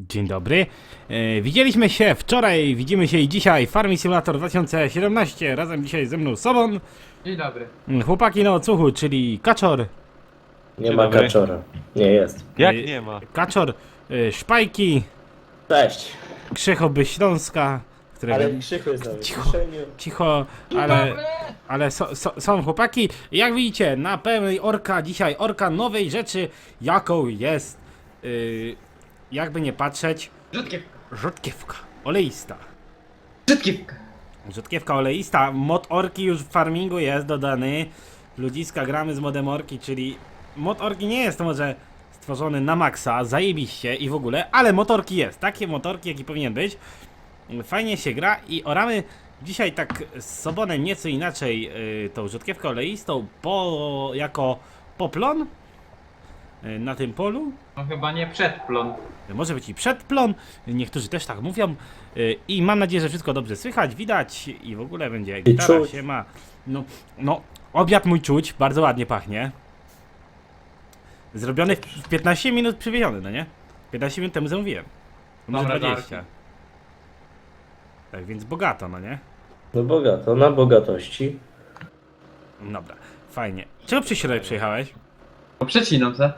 Dzień dobry. Widzieliśmy się wczoraj, widzimy się i dzisiaj. Farming Simulator 2017. Razem dzisiaj ze mną Sobon. Dzień dobry. Chłopaki na odsłuchu, czyli Kaczor. Nie Dzień ma dobry. kaczora. Nie jest. Jak Y, nie ma? Kaczor, Szpajki, Cześć. Krzychoby Śląska, którego... Ale krzyku jest na Cicho. wyciszeniu. Cicho, ale są chłopaki. Jak widzicie, na pełnej orka dzisiaj, orka nowej rzeczy, jaką jest, jakby nie patrzeć, Rzutkiewka. rzodkiewka, oleista. Rzutkiewka. Rzutkiewka oleista, mod orki już w farmingu jest dodany. Ludziska, gramy z modem orki, czyli mod orki nie jest to może stworzony na maksa, zajebiście i w ogóle, ale motorki jest, takie motorki jaki powinien być. Fajnie się gra i oramy dzisiaj tak z Sobonem nieco inaczej tą rzutkiewkę oleistą jako poplon na tym polu. No chyba nie przedplon. Może być i przedplon, niektórzy też tak mówią. I mam nadzieję, że wszystko dobrze słychać, widać i w ogóle będzie gitara czuć. się ma. No, obiad mój czuć, bardzo ładnie pachnie. Zrobiony w 15 minut przywieziony, no nie? 15 minut temu zamówiłem. Może Dobre 20. Tak więc bogato, no nie? No bogato, na bogatości. Dobra, fajnie. Czego przy środek przyjechałeś? No przecinam se.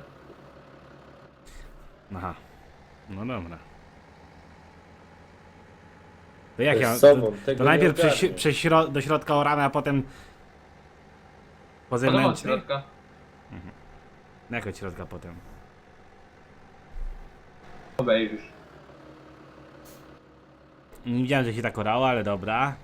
Aha. No dobra. To jak To ja. jest sobą, To tego najpierw nie ogarnię. do środka oramy, a potem. Po Podoba od zewnętrznej? środka. Na jak od środka potem? Obejrzysz. Nie widziałem, że się tak orało, ale dobra.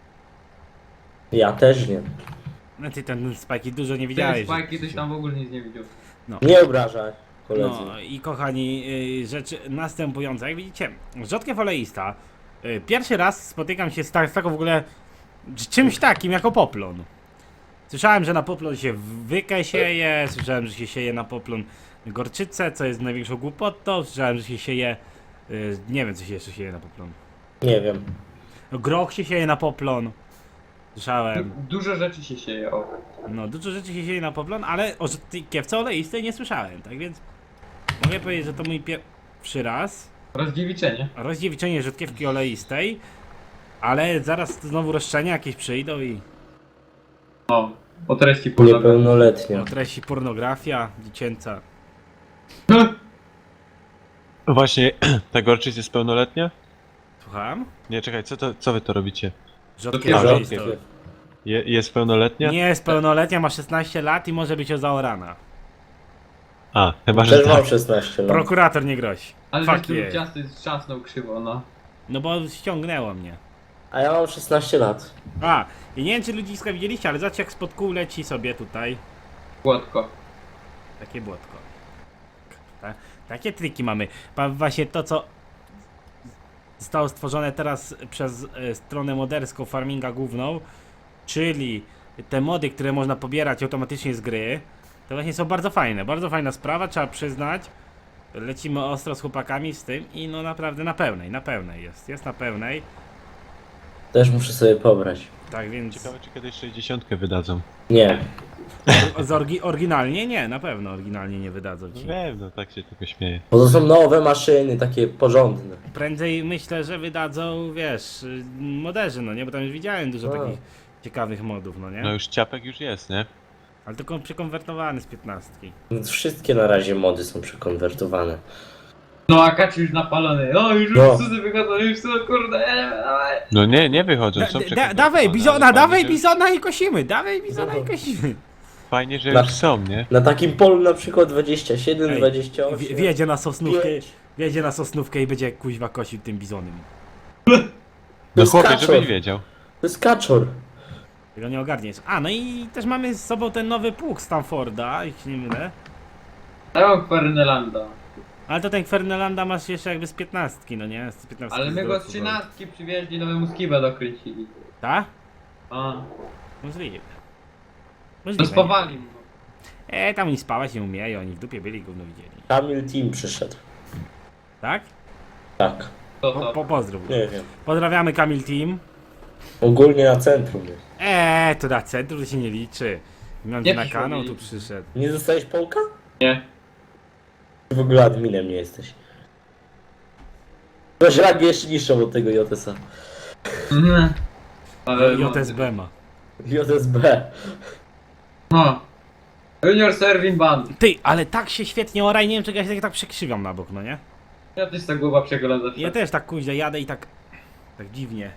Ja też nie. No ty ten spajki dużo nie Ten widziałeś. Spike kiedyś tam w ogóle nic nie widział. Nie obrażaj, koledzy. No i kochani, rzeczy następujące. Jak widzicie, rzodkiew oleista. Pierwszy raz spotykam się z taką w ogóle czymś takim jako poplon. Słyszałem, że na poplon się wykę sieje, słyszałem, że się sieje na poplon gorczycę, co jest największą głupotą, słyszałem, że się sieje, nie wiem co się jeszcze sieje na poplon. Nie wiem. No, groch się sieje na poplon. Słyszałem. Dużo rzeczy się sieje, o. No, dużo rzeczy się sieje na poplon, ale o rzodkiewce oleistej nie słyszałem, tak więc mogę powiedzieć, że to mój pierwszy raz Rozdziewiczenie. rozdziewiczenie rzodkiewki oleistej, ale zaraz znowu roszczenia jakieś przyjdą i O. O treści pornograficznej. Niepełnoletnia. o treści pornografia dziecięca. No właśnie, ta gorczyc jest pełnoletnia? Słucham? Nie, czekaj, co wy to robicie? Rzodkiew A, oleistą. rzodkiew. Jest pełnoletnia? Nie jest pełnoletnia, ma 16 lat i może być zaorana. A, chyba, że Też mam tak. 16 lat. Prokurator nie grozi. Ale Fuck wiesz, tu yeah. ciasto trzasnął krzywo, no. No bo ściągnęło mnie. A ja mam 16 lat. A, i nie wiem czy ludziska widzieliście, ale zobaczcie jak spod kół leci sobie tutaj. Płotko. Takie błotko. Takie triki mamy. Właśnie to co zostało stworzone teraz przez stronę moderską farminga główną, czyli te mody, które można pobierać automatycznie z gry, to właśnie są bardzo fajne. Bardzo fajna sprawa, trzeba przyznać. Lecimy ostro z chłopakami z tym i no naprawdę na pełnej jest na pełnej. Też muszę sobie pobrać. Tak więc Ciekawe, czy kiedyś 60 wydadzą. Nie. oryginalnie nie, na pewno oryginalnie nie wydadzą ci. Wiem, no tak się tylko śmieję. Bo to są nowe maszyny, takie porządne. Prędzej myślę, że wydadzą, wiesz, moderzy, no nie, bo tam już widziałem dużo A. takich ciekawych modów, no nie? No już ciapek już jest, nie? Ale tylko przekonwertowany z 15. No, wszystkie na razie mody są przekonwertowane. No a Kaci już napalony. O, już No. psy wychodzą, już są, kurde, dawaj. No nie wychodzą, są przekonwertowane, Dawaj ale bizona, fajnie, dawaj że- bizona i kosimy, dawaj bizona i kosimy. Fajnie, że Na- już są, nie? Na takim polu na przykład 27, Ej, 28. Wjedzie na sosnówkę, 5. wjedzie na sosnówkę i będzie kuźwa kosił tym bizonem. To No jest chłopie, kaczor. żebyś wiedział. To jest kaczor. Tego nie ogarniesz. A, no i też mamy z sobą ten nowy pług Stanforda, jeśli się nie mylę. Ja mam Fernelanda. Ale to ten Fernelanda masz jeszcze jakby z 15, no nie? Z 15 Ale my go z wzrostu, 13 przywieźli, nowemu skibę dokręcili. Tak? A. Możliwe. No Możliwe. spawali mu. Tam oni spałać nie umieją, oni w dupie byli, gówno widzieli. Kamil Team przyszedł. Tak? Tak. To. Pozdrów. Nie wiem. Pozdrawiamy Kamil Team. Ogólnie na centrum jest. To na centrum się nie liczy. Mam Nie na przyszło kanał, mi. tu przyszedł. Nie zostałeś Polka? Nie. Ty w ogóle adminem nie jesteś. To żragi jeszcze niższą od tego JS-a. Mhm. Ale JSB ma. JSB. No. Junior Serving Band. Ty, ale tak się świetnie oraj, nie wiem czego ja się tak przekrzywiam na bok, no nie? Ja też ta głowa przegląda zawsze. Ja też tak kuźle jadę i tak dziwnie.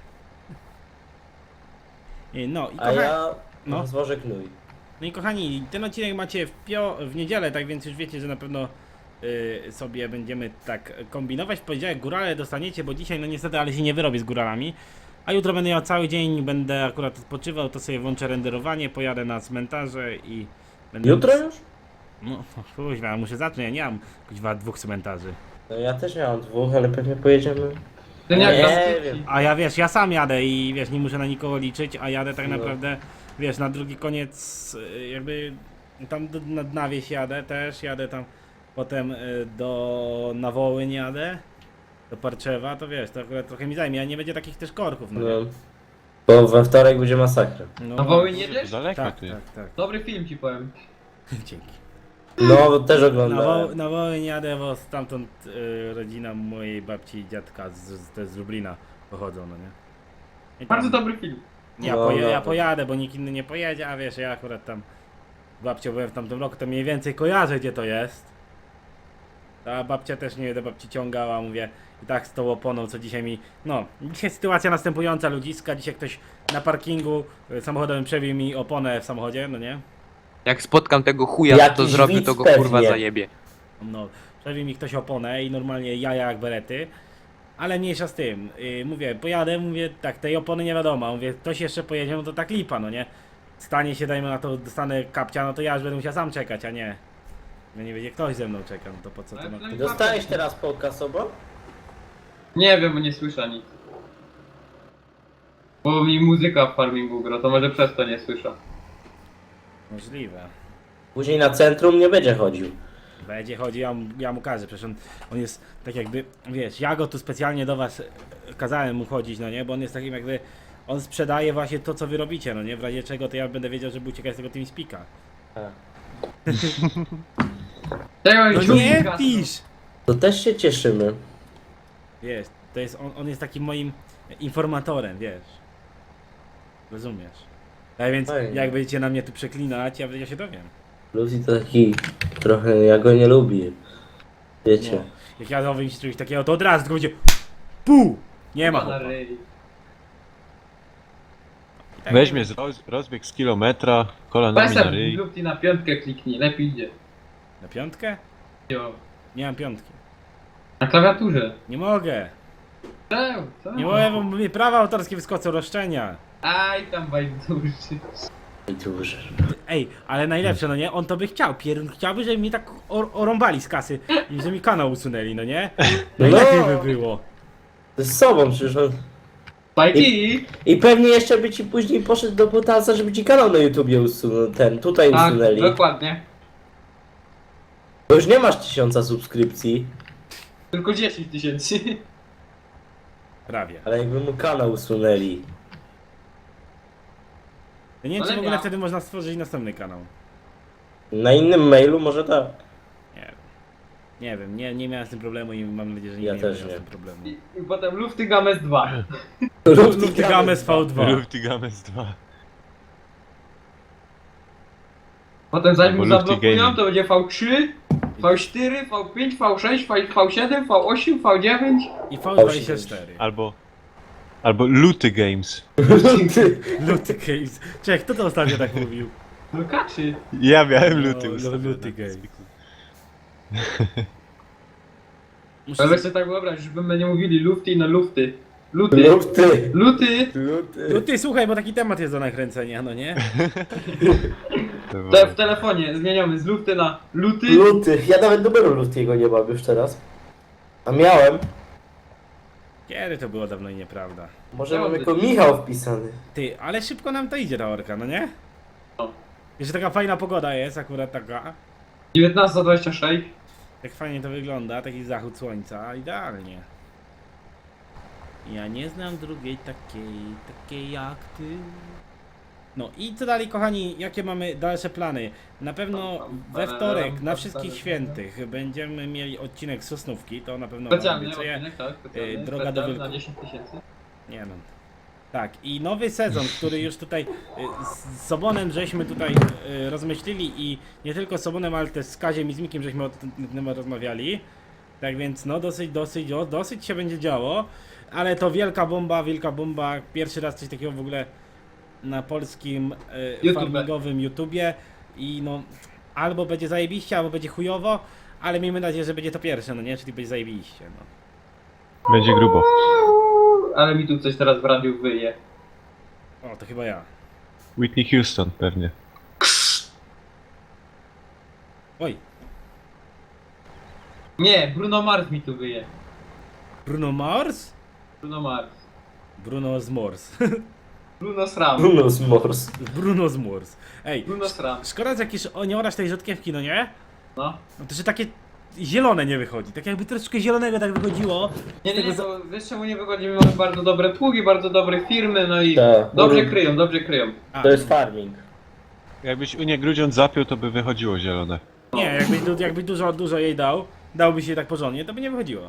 No i A kochani, ja no. zwożę knój. no i kochani, ten odcinek macie w niedzielę, tak więc już wiecie, że na pewno sobie będziemy tak kombinować. W poniedziałek górale dostaniecie, bo dzisiaj no niestety, ale się nie wyrobię z góralami. A jutro będę miał cały dzień, będę akurat odpoczywał, to sobie włączę renderowanie, pojadę na cmentarze i będę... Jutro już? No, kuźwa, muszę zacząć, ja nie mam kuźwa 2 cmentarzy. No ja też miałem 2, ale pewnie pojedziemy. Ten jak Nie nas wiem. A ja wiesz, ja sam jadę i wiesz, nie muszę na nikogo liczyć, a jadę tak No. naprawdę, wiesz, na drugi koniec jakby tam na wieś jadę też, jadę tam potem na Wołyń jadę, do Parczewa, to wiesz, to akurat trochę mi zajmie, a nie będzie takich też korków, no nie? No. Bo we wtorek będzie masakra. No, Na Wołyń To jedziesz? daleko tak, ty. tak. Dobry film ci powiem. Dzięki. No, też oglądałem. Na Wołyń jadę, bo stamtąd rodzina mojej babci i dziadka z Lublina pochodzą, no nie? I tam- Bardzo dobry film. Ja, No, ja no. pojadę, bo nikt inny nie pojedzie, a wiesz, ja akurat tam babcią byłem w tamtym roku, to mniej więcej kojarzę, gdzie to jest. A babcia też nie do babci ciągała, mówię, i tak z tą oponą, co dzisiaj mi... No, dzisiaj sytuacja następująca, ludziska, dzisiaj ktoś na parkingu samochodem przebił mi oponę w samochodzie, no nie? Jak spotkam tego chuja, to Jakiś zrobię, widz to go pewnie. kurwa zajebie. No, przebił mi ktoś oponę i normalnie jaja jak berety. Ale mniejsza z tym, mówię, pojadę, mówię, tak, tej opony nie wiadomo, mówię, ktoś jeszcze pojedzie, no to tak lipa, no nie? Stanie się, dajmy na to, dostanę kapcia, no to ja już będę musiał sam czekać, a nie. No nie będzie ktoś ze mną czeka, no to po co to ma... Dostałeś teraz podcast obo? Nie wiem, bo nie słyszę nic. Bo mi muzyka w farmingu gra, to może przez to nie słyszę. Możliwe. Później na centrum nie będzie chodził. Będzie chodzi, ja mu każę, przecież on jest tak jakby, wiesz, ja go tu specjalnie do was kazałem mu chodzić, no nie, bo on jest takim jakby, on sprzedaje właśnie to, co wy robicie, no nie, w razie czego to ja będę wiedział, żeby uciekać z tego TeamSpeaka. Tego No nie pisz! To też się cieszymy. Wiesz, to jest, on jest takim moim informatorem, wiesz. Rozumiesz? A więc Fajnie. jak będziecie na mnie tu przeklinać, ja się dowiem. Lucy to taki trochę, ja go nie lubię. Wiecie. No. Jak ja dowiem się czegoś takiego, to od razu tylko będzie PUH! Nie ma na chłopa. ryj. I tak Weźmie rozbieg z kilometra, kolanami na Pesem ryj. lub na piątkę kliknij, lepiej idzie. Na piątkę? Jo. Nie mam piątki. Na klawiaturze. Nie mogę. Co? Nie mogę, bo mnie prawa autorskie wyskoczą, roszczenia. Aj tam bajduszy. I duży. Ej, ale najlepsze, no nie? On to by chciał. Pierun chciałby, żeby mi tak orąbali z kasy i żeby mi kanał usunęli, no nie? Najlepiej by było. To z sobą przecież on... Spajki! I pewnie jeszcze by ci później poszedł do Botasa, żeby ci kanał na YouTubie usunął, tutaj Tak, usunęli. dokładnie. Bo już nie masz 1000 subskrypcji, Tylko 10 tysięcy. Prawie. ale jakby mu kanał usunęli. Ja nie wiem, czy Ale w ogóle miał. wtedy można stworzyć następny kanał. Na innym mailu może tak. Nie wiem, nie miałem z tym problemu i mam nadzieję, że nie Ja będę też miał nie. z tym problemu. I potem Lufty Games 2. Lufty Games V2. Lufty Games 2. Potem zanim Albo mu Lufty zablokują, Gaming. to będzie V3, V4, V5, V6, V7, V8, V9. I V24. Albo Luty Games. Luty Games. Czekaj, kto to ostatnio tak mówił? No kaczy. Ja miałem No, Luty ustawione. Luty Games. Ale weź sobie tak wyobraź, żebyśmy nie mówili Lufty na Lufty. Luty. Luty. Luty. Luty. Luty, słuchaj, bo taki temat jest do nakręcenia, no nie? To w telefonie zmieniamy z Lufty na Luty. Luty. Ja nawet numeru Lutiego nie mam już teraz. A miałem. Kiedy to było dawno i nieprawda. Może Ja mam mam jako taki- Michał wpisany. Ty, ale szybko nam to idzie ta orka, no nie? No. Jeszcze taka fajna pogoda jest, akurat taka. 19:26. Jak fajnie to wygląda, taki zachód słońca, idealnie. Ja nie znam drugiej takiej jak ty. No i co dalej, kochani, jakie mamy dalsze plany? Na pewno we wtorek, na wszystkich świętych, będziemy mieli odcinek Sosnówki, to na pewno wam Specjalny obiecuję. odcinek, tak? Specjalny, Droga do specjalny na Wilków. 10 tysięcy. Nie no. Tak, i nowy sezon, który już tutaj z Sobonem żeśmy tutaj rozmyślili i nie tylko z Sobonem, ale też z Kaziem i z Mikiem żeśmy o tym rozmawiali. Tak więc no dosyć się będzie działo, ale to wielka bomba, pierwszy raz coś takiego w ogóle na polskim YouTube. farmingowym YouTubie i no albo będzie zajebiście, albo będzie chujowo, ale miejmy nadzieję, że będzie to pierwsze, no nie, czyli będzie zajebiście, no. Będzie grubo. Ale mi tu coś teraz w radiu wyje. O, to chyba ja. Whitney Houston pewnie. Oj, Nie, Bruno Mars mi tu wyje. Bruno Mars? Bruno Mars. Bruno z Mors. Bruno Sram. Bruno z Mors. Bruno z Mors. Ej, Bruno Sram. szkoda, że jakieś nie orasz tej rzodkiewki, no nie? No. No to, że takie zielone nie wychodzi. Tak jakby troszeczkę zielonego tak wychodziło. Nie, Z tego to wiesz czemu nie wychodzimy? Mamy bardzo dobre pługi, bardzo dobre firmy, no i Tak. dobrze kryją, dobrze kryją. A, To jest farming. Jakbyś Unię Grudziądz zapiął, to by wychodziło zielone. nie, jakby dużo jej dałby się tak porządnie, to by nie wychodziło.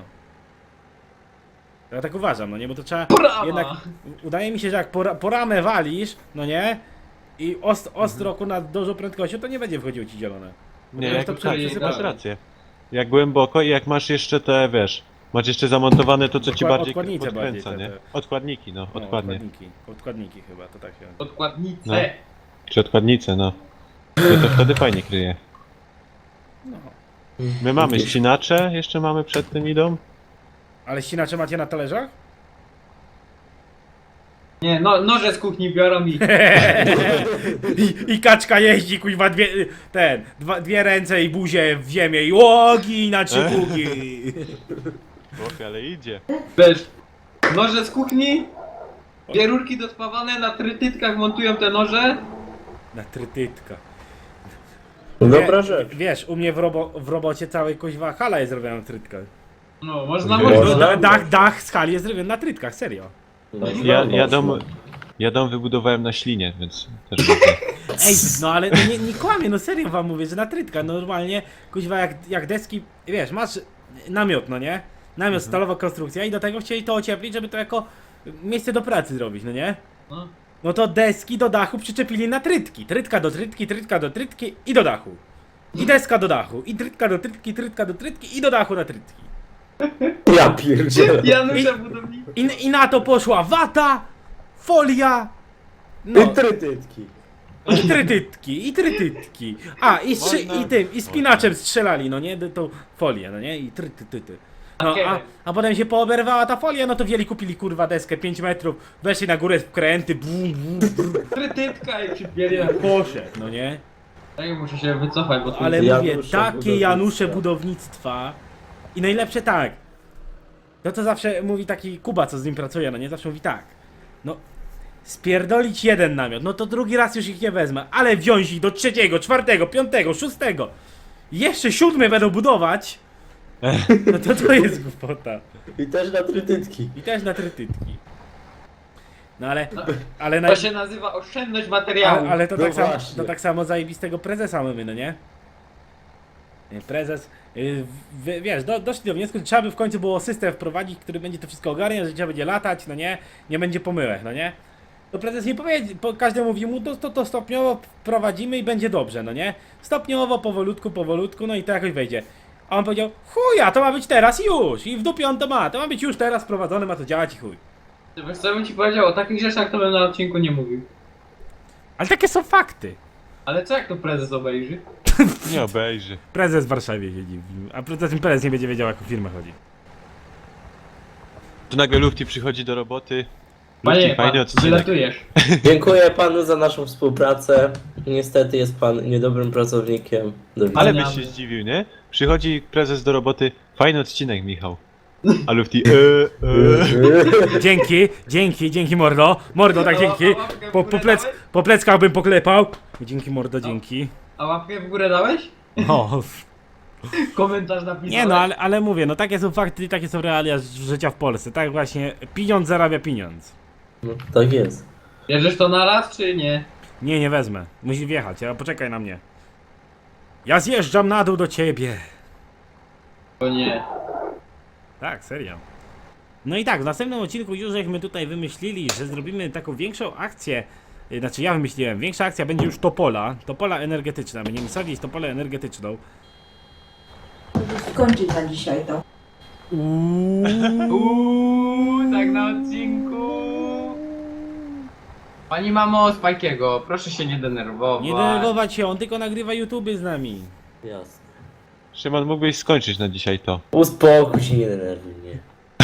Ja tak uważam, no nie, bo to trzeba Brawa! jednak, udaje mi się, że jak po ramę walisz, no nie, i ostro nad dużą prędkością, to nie będzie wychodziło ci zielone. Nie, to jak, to tak, przesypane. masz rację. Jak głęboko i jak masz jeszcze te, wiesz, masz jeszcze zamontowane to, co ci bardziej Odkładnice podkręca, bardziej, nie? te. Odkładniki, no, No, odkładnie. odkładniki chyba, to tak się... Odkładnice. No. Czy odkładnice, no. To wtedy fajnie kryje. No. My mamy ścinacze, jeszcze mamy przed tym idą. Ale ścinacze macie na talerzach? Nie, no, noże z kuchni biorą i... I kaczka jeździ, kuźwa, dwie ręce i buzię w ziemię i łogi na trzy pługi. Chłopie, ale idzie. Wiesz, noże z kuchni, dwie rurki dospawane, na trytytkach montują te noże. Na trytytka. Dobra rzecz. Wiesz, u mnie w robocie całej kuźwa hala jest zrobiona na trytkach. No, można, Nie. można. Można. Dach z hali jest zrobiony na trytkach, serio. No, Ja dom wybudowałem na ślinie, więc też można. Ej, no ale no nie kłamię, no serio wam mówię, że na trytkach, normalnie, kuźwa, jak deski, wiesz, masz namiot, no nie? Namiot, stalowa konstrukcja i do tego chcieli to ocieplić, żeby to jako miejsce do pracy zrobić, no nie? No. No to deski do dachu przyczepili na trytki. Trytka do trytki i do dachu. I deska do dachu. I trytka do trytki i do dachu na trytki. Ja pierdzielę. Janusze budowniczy. I na to poszła wata, folia, no, I trytytki. i trytytki. A, i spinaczem strzelali, no nie, tą folię, no nie, i trytytyty. No, a potem się pooberwała ta folia, no to wzięli, kupili kurwa deskę 5 metrów, weszli na górę w kręty, bum, Trytytka i przypieli na... poszedł, no nie? Ej, muszę się wycofać, bo tu... Ale Janusze mówię, takie budownictwa. Janusze budownictwa i najlepsze tak. To co zawsze mówi taki Kuba, co z nim pracuje, no nie, zawsze mówi tak. No, spierdolić jeden namiot, no to drugi raz już ich nie wezmę, ale wziąć ich do 3., 4., 5., 6., jeszcze 7. będą budować, no to jest głupota. I też na trytytki. I też na trytytki. No ale To się nazywa oszczędność materiału. ale to, No tak samo, właśnie. to tak samo zajebistego prezesa mamy, no nie? Prezes, wiesz, doszli do wniosku, że trzeba by w końcu było system wprowadzić, który będzie to wszystko ogarniał, że trzeba będzie latać, no nie? Nie będzie pomyłek, no nie? To prezes nie powiedział, każdy mówi mu, to stopniowo wprowadzimy i będzie dobrze, no nie? Stopniowo, powolutku, no i to jakoś wejdzie. A on powiedział, chuja, to ma być teraz i już, i w dupie on to ma być już teraz wprowadzone, ma to działać i chuj. Wiesz co bym ci powiedział, o takich rzeczach to bym na odcinku nie mówił. Ale takie są fakty. Ale co jak to prezes obejrzy? Nie obejrzy. Prezes w Warszawie siedzi, a prezes nie będzie wiedział, jak o firmę chodzi. Tu nagle Lufty przychodzi do roboty. Panie, Lufty, fajny pan, odcinek. wylatujesz. Dziękuję panu za naszą współpracę. Niestety jest pan niedobrym pracownikiem. Do widzenia. Ale byś się zdziwił, nie? Przychodzi prezes do roboty. Fajny odcinek, Michał. A Lufty, Dzięki mordo. Mordo, tak dzięki. Po pleckach bym poklepał. Dzięki mordo, dzięki. A łapkę w górę dałeś? O, Komentarz napisałeś? nie no, ale mówię, no takie są fakty, takie są realia życia w Polsce. Tak właśnie, pieniądz zarabia pieniądz. No, tak jest. Bierzesz to na raz, czy nie? Nie, nie wezmę. Musisz wjechać, a poczekaj na mnie. Ja zjeżdżam na dół do ciebie. O nie. Tak, serio. No i tak, w następnym odcinku już żeśmy tutaj wymyślili, że zrobimy taką większą akcję. Znaczy ja wymyśliłem, większa akcja będzie już topola energetyczna. Będziemy sadzić topolę energetyczną. Żeby skończyć na dzisiaj to. Tak na odcinku. Pani mamo Spajkiego, proszę się nie denerwować. Nie denerwować się, on tylko nagrywa YouTube z nami. Jasne. Szymon, mógłbyś skończyć na dzisiaj to. Uspokój się, nie denerwuj mnie.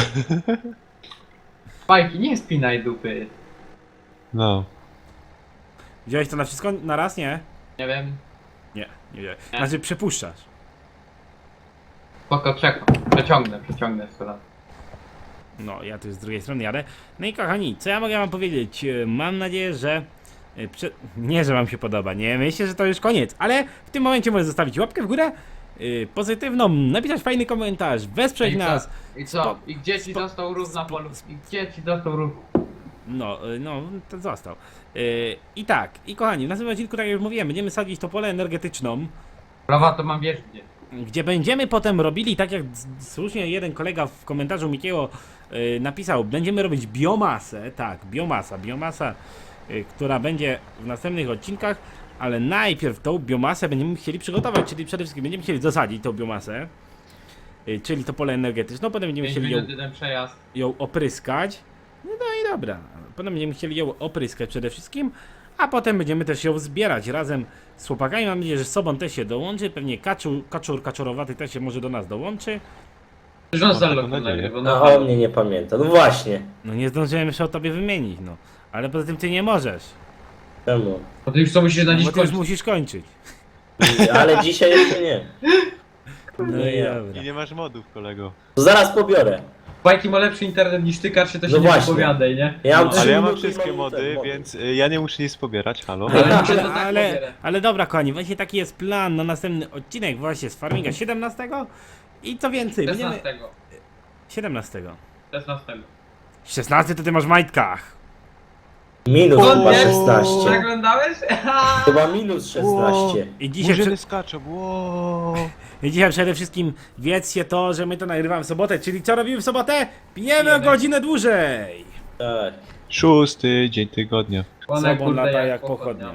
Spajki, nie spinaj dupy. No. Wziąłeś to na wszystko na raz, nie? Nie wiem. Nie wziąłeś. Znaczy przepuszczasz. Spoko, przeciągnę skoro. No, ja tu z drugiej strony jadę. No i kochani, co ja mogę wam powiedzieć? Mam nadzieję, że... Nie, że wam się podoba, nie myślę, że to już koniec, ale w tym momencie możesz zostawić łapkę w górę, pozytywną, napisać fajny komentarz, wesprzeć nas. I co? I gdzie ci dostał rów na polu? I gdzie ci dostał rów? No, to został. I tak, i kochani, w następnym odcinku, tak jak już mówiłem, będziemy sadzić to pole energetyczną, Prawa to mam wiesz gdzie. gdzie będziemy potem robili, tak jak słusznie jeden kolega w komentarzu Mikiego napisał, będziemy robić biomasę, tak, biomasa, która będzie w następnych odcinkach, ale najpierw tą biomasę będziemy chcieli przygotować, czyli przede wszystkim będziemy chcieli zasadzić tą biomasę, czyli to pole energetyczne, potem będziemy 5 chcieli minut jeden przejazd. ją opryskać, no i dobra, potem będziemy chcieli ją opryskać przede wszystkim, a potem będziemy też ją zbierać razem z chłopakami. Mam nadzieję, że Sobon też się dołączy. Pewnie kaczorowaty też się może do nas dołączy. Rząd taką zalotu nadzieję. nagrywa. No o mnie nie pamięta. No właśnie. No nie zdążyłem jeszcze o tobie wymienić, no. Ale poza tym ty nie możesz. Czemu? Bo ty już co musisz na dziś Bo ty już kończyć. musisz kończyć. Ale dzisiaj jeszcze nie. No i ja. dobra. I nie masz modów, kolego. To zaraz pobiorę. Spajki ma lepszy internet niż ty, Karcie, to się No nie właśnie. wypowiadaj, nie? Ja mam No, 3 Ale ja mam minuty i wszystkie mam mody, ten mody. więc ja nie muszę nic pobierać, halo. Ale mi się to tak Ale, pobierę. ale dobra, kochani, właśnie taki jest plan na następny odcinek właśnie z Farminga 17. I co więcej, będziemy... 16. 17. 16. 16 to ty masz w majtkach. Minus O chyba nie! 16. Przeglądałeś? Chyba minus 16. I dzisiaj, Murzyny skaczą, wow. I dzisiaj przede wszystkim wiedzcie to, że my to nagrywamy w sobotę, czyli co robimy w sobotę? Pijemy o Pijemy. godzinę dłużej! Tak. 6. dzień tygodnia. One, Sobą kurde, lata jak pochodnia.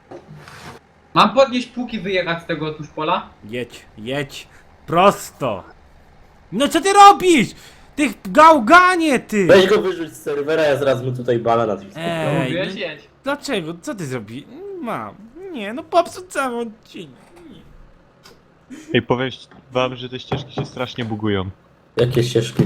Mam podnieść półki, wyjechać z tego otóż pola? Jedź, prosto! No co ty robisz? Ty gałganie, ty! Weź go wyrzuć z serwera, ja zaraz mu tutaj bala na Twitterze. Ej, Mówiłeś, no, jedź. dlaczego? Co ty zrobisz? Mam. Nie, no popsuł cały odcinek. Ej, powiem wam, że te ścieżki się strasznie bugują. Jakie ścieżki?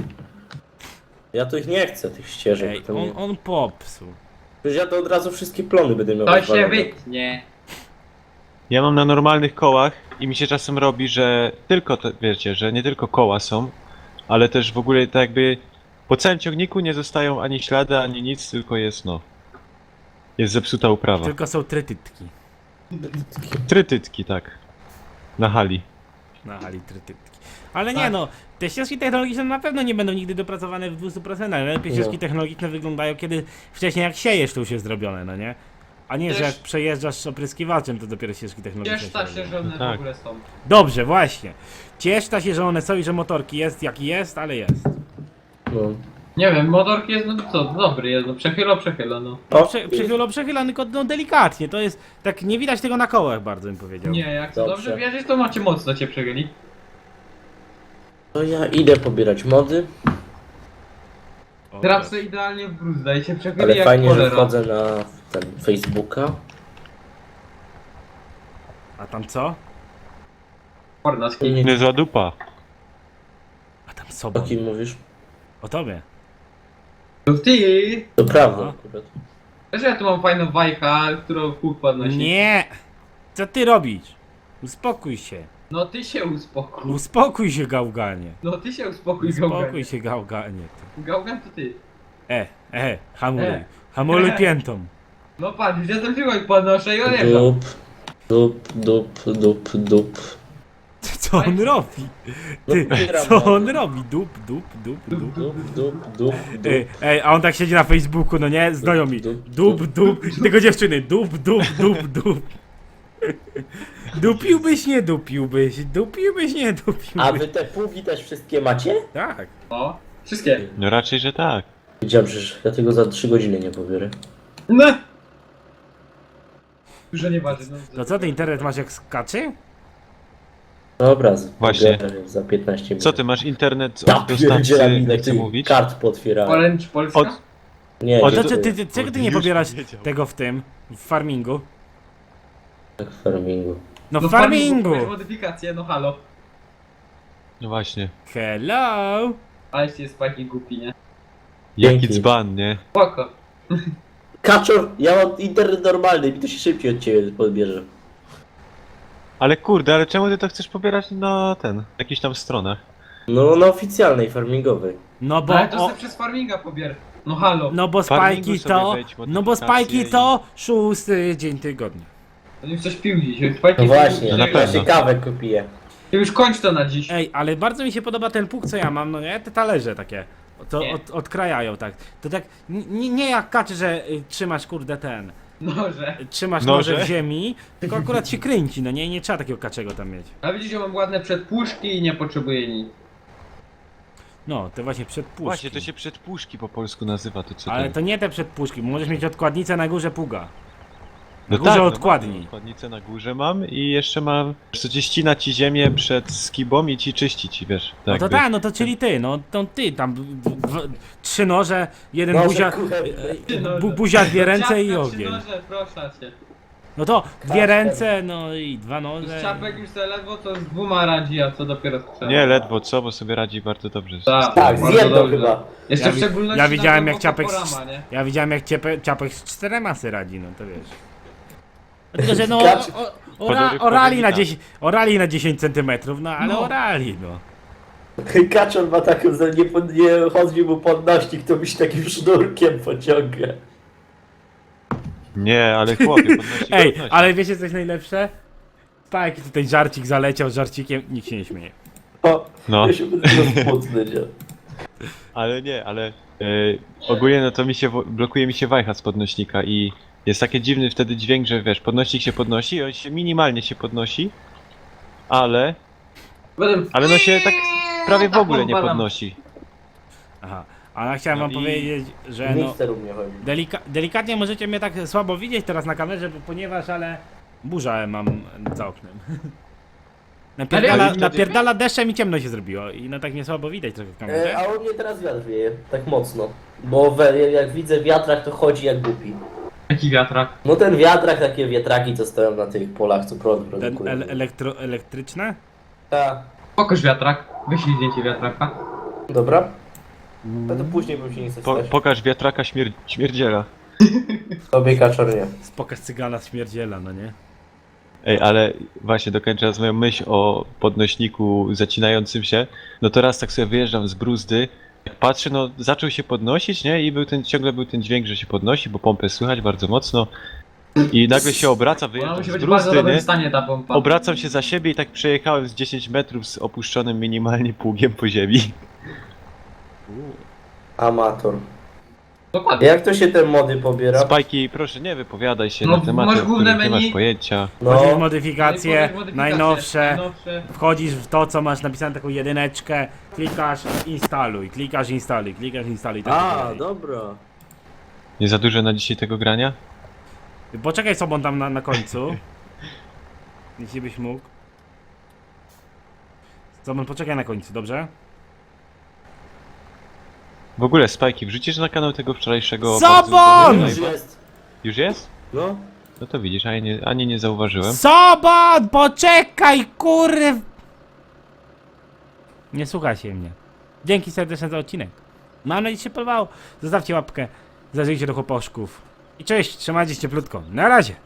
Ja tu ich nie chcę, tych ścieżek. Ej, to nie. on popsuł. Przecież ja to od razu wszystkie plony będę miał To się rozwalone. wytnie. Ja mam na normalnych kołach i mi się czasem robi, że tylko te, wiecie, że nie tylko koła są, ale też w ogóle tak jakby po całym ciągniku nie zostają ani ślady, ani nic, tylko jest no. Jest zepsuta uprawa. Tylko są trytytki. Trytytki, tak. Na hali. Na hali trytytki. Ale nie Tak. no, te ścieżki technologiczne na pewno nie będą nigdy dopracowane w 200%, ale lepiej No. ścieżki technologiczne wyglądają, kiedy wcześniej jak siejesz, to już jest zrobione, no nie? A nie, że Ciesz- jak przejeżdżasz opryskiwaczem, to dopiero ścieżki technologiczne Cieszta się, robią. że one No tak. w ogóle są. Dobrze, właśnie. Cieszta się, że one są i że motorki jest jaki jest, ale jest. No. Nie wiem, motorki jest, no co, dobry jest, no przechyla, no. O, Przechyla, tylko no, delikatnie, to jest, tak nie widać tego na kołach bardzo bym powiedział. Nie, jak to Dobrze. dobrze wierzysz, to macie mocno cię przechyli. To ja idę pobierać mody, O, Traf sobie idealnie w bruzda i się przechyli ale jak fajnie, że cholera. wchodzę na ten Facebooka. A tam co? Porna z kim. Niezła dupa. A tam O sobą. kim mówisz? O tobie. To ty! To prawda No. akurat. Wiesz, że ja tu mam fajną wajcha, którą kół podnosi. Nie! Co ty robisz? Uspokój się. No ty się uspokój. Uspokój się, gałganie. No ty się uspokój, Gałgan. Uspokój się, gałganie. Ty. Gałgan to ty. Hamuluj. E. Hamuluj piętą. No patrz, już jestem siłą i podnoszę i odjeżdżam. Dup, dup, dup, dup, dup. Co on robi? Ty, pobieram co mody. on robi? Dup. Dup. Ej, a on tak siedzi na Facebooku, no nie? Znajomi. Dup. Tylko dziewczyny. Dup. Dupiłbyś, nie dupiłbyś. Nie dupiłbyś. A wy te pługi też wszystkie macie? Tak. O, wszystkie. No raczej, że tak. Wiedziałem, że ja tego za 3 godziny nie pobiorę. No. Dużo nie waży, no. To co, ty internet masz jak skaczy? Dobra, Właśnie. pobiorę za 15 minut. Co ty, masz internet Ja od dostawcy, pierdzielę, nie ile chcę ty mówić? kart potwierałem. Orange Polska? Od- Nie, O, To dziękuję. czego ty nie Już pobierasz powiedział. tego w tym? W farmingu? Tak w farmingu. No w farmingu! kupujesz modyfikację, no halo. No właśnie. Hello! Aleście jest Spajki głupi, nie? Jaki Dzięki. dzban, nie? Spoko. Kaczor, ja mam internet normalny, mi to się szybciej od ciebie podbierze. Ale kurde, ale czemu ty to chcesz pobierać na jakichś tam stronach? No na oficjalnej, farmingowej. No bo... Ale to o, sobie przez farminga pobier. No halo. no bo Farmingu spajki sobie to... wejdź, No bo spajki modyfikacje to 6 dzień tygodnia. To już coś pił dziś. Spajki No właśnie, No na ja się pewno. kawę kupię. Ty już kończ to na dziś. Ej, ale bardzo mi się podoba ten pług, co ja mam, no nie? Te talerze takie. To Nie. odkrajają tak. To tak, nie jak kaczy, że trzymasz kurde ten... Noże. Trzymasz Noże? noże w ziemi, tylko akurat się kręci, no nie trzeba takiego kaczego tam mieć. A widzisz, że mam ładne przedpuszki i nie potrzebuję nic. No, to właśnie przedpuszki. Właśnie, to się przedpuszki po polsku nazywa, to co Ale to... to nie te przedpuszki, bo możesz mieć odkładnicę na górze pługa. Na No górze tak, odkładni. mam odkładnicę na górze mam i jeszcze mam, co ci ścina ci ziemię przed skibą i ci czyści ci, wiesz. No Tak to jakby. tak, no to czyli ty, no to ty tam 3 noże, jeden Noże buzia, kuchenne. buzia, 2 ręce i Ciapka, 3 ogień. noże, proszę cię. No to 2 Kasper. ręce, no i 2 Z noże. ciapek już sobie ledwo to z 2 radzi, a co dopiero z 3. Nie, ledwo co, bo sobie radzi bardzo dobrze. Tak. Tak, z Bardzo jedną dobrze. chyba. Jeszcze Ja w wi- szczególności ja widziałem, na jak ciapek porama, nie? Ja widziałem jak ciapek z 4 masy radzi, no to wiesz. Tylko, że no Kacz- orali na 10 centymetrów, no ale No. orali, no. Kaczor ma taką, że nie chodzi mu podnośnik, to byś takim sznurkiem pociąga. Nie, ale chłopie, podnosi Ej, podnosi. ale wiecie co jest najlepsze? Tak, tutaj żarcik zaleciał, żarcikiem, nikt się nie śmieje. O, No. ja się będę smutny, nie? Ale nie, ale ogólnie no to blokuje mi się wajcha z podnośnika i jest taki dziwny wtedy dźwięk, że wiesz, podnośnik się podnosi, on się minimalnie się podnosi, ale no się tak prawie w ogóle nie podnosi. Aha, a ja chciałem No wam i- powiedzieć, że no... Mikser u mnie chodzi. Delikatnie możecie mnie tak słabo widzieć teraz na kamerze, ponieważ burzę mam za oknem. Napierdala deszczem i ciemno się zrobiło i no tak mnie słabo widać trochę w kamerze. A u mnie teraz wiatr wieje, tak mocno. Bo jak widzę wiatrak, to chodzi jak głupi. Jaki wiatrak? No ten wiatrak, takie wiatraki, co stoją na tych polach, co prąd Ten produkują. elektryczne? Tak. Pokaż wiatrak. Wyślij zdjęcie wiatraka. Dobra. No to później bym się nie chce stać. Pokaż wiatraka śmierdziela. Tobie Kaczor nie. Pokaż cygana śmierdziela, no nie? Ej, ale właśnie dokończając moją myśl o podnośniku zacinającym się, no to raz tak sobie wyjeżdżam z bruzdy, jak patrzę, no zaczął się podnosić, nie? I ciągle był ten dźwięk, że się podnosi, bo pompę słychać bardzo mocno. I nagle się obraca, Ona wyjeżdżam musi z być w bardzo bruzdy, dobrym nie? stanie ta pompa. Obracam się za siebie i tak przejechałem z 10 metrów z opuszczonym minimalnie pługiem po ziemi. Amator. Dokładnie. Jak to się te mody pobiera? Spajki, proszę nie wypowiadaj się No, na tematy, masz o główne których nie menu. masz pojęcia. Wchodzisz w No, modyfikacje, najnowsze, Najnowsze. wchodzisz w to, co masz napisane, taką jedyneczkę, klikasz instaluj, klikasz instaluj, klikasz instaluj i tak dalej. dobra. Nie za dużo na dzisiaj tego grania? Poczekaj sobą tam na końcu. Jeśli byś mógł. Sobą, poczekaj na końcu, dobrze? W ogóle Spajki, wrzucisz na kanał tego wczorajszego... Sobon! bardzo udanego Już live'a? jest. Już jest? No. No to widzisz, ani nie zauważyłem. Sobon, poczekaj, kurw! Nie słuchajcie mnie. Dzięki serdecznie za odcinek. Mam nadzieję, że się podobało. Zostawcie łapkę, zajrzyjcie do chłoposzków. I cześć, trzymajcie się cieplutko. Na razie.